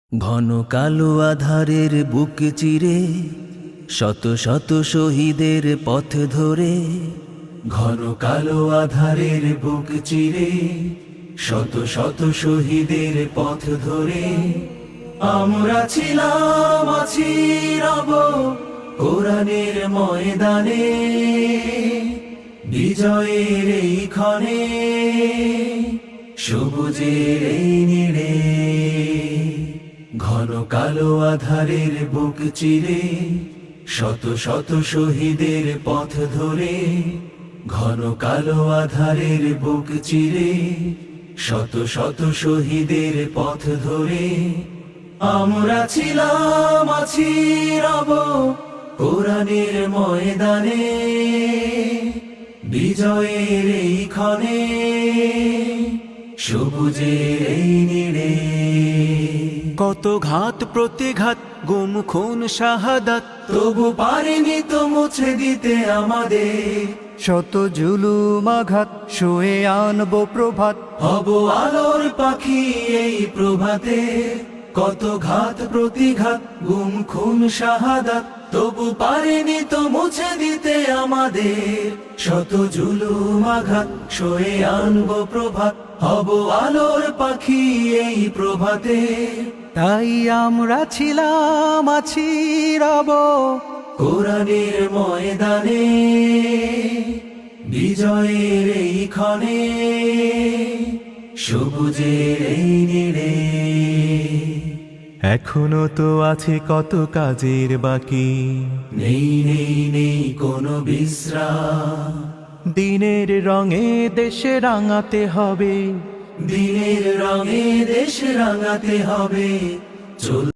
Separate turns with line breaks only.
ঘন কালো আধারের বুক চিরে শত শত শহীদের পথ ধরে, ঘন কালো আধারের বুক চিরে শত শত শহীদের পথ ধরে আমরা ছিলাম, আছি, রব কোরআনের ময়দানে, বিজয়ের এই ক্ষণে, সবুজের এই নীড়ে। ঘন কালো আধারের বুক চিরে শত শত শহীদের পথ ধরে, ঘন কালো আধারের বুক চিরে শত শত শহীদের পথ ধরে আমরা ছিলাম, আছি, রব কোরআনের ময়দানে, বিজয়ের এই ক্ষণে, সবুজের এই নীড়ে।
কত ঘাত প্রতিঘাত, গুম খুন শাহাদাত,
তবু পারিনি তো মুছে দিতে আমাদের
শত জুলুম আঘাত, শুয়ে আনবো প্রভাত,
হব আলোর পাখি এই প্রভাতে। কত ঘাত প্রতিঘাত, গুম খুন শাহাদাত, তবু পারিনি তো মুছে দিতে আমাদের শত জুলুম আঘাত, সয়ে আনবো প্রভাত, হব আলোর পাখি এই প্রভাতে।
তাই আমরা ছিলাম, আছি, রব
কোরআনের ময়দানে, বিজয়ের এই ক্ষণে, সবুজের এই নীড়ে।
এখনো তো আছে কত কাজের বাকি,
নেই নেই নেই কোনো বিশ্রাম,
দিনের রঙে দেশে রাঙাতে হবে,
দিনের রঙে দেশ রাঙাতে হবে। চল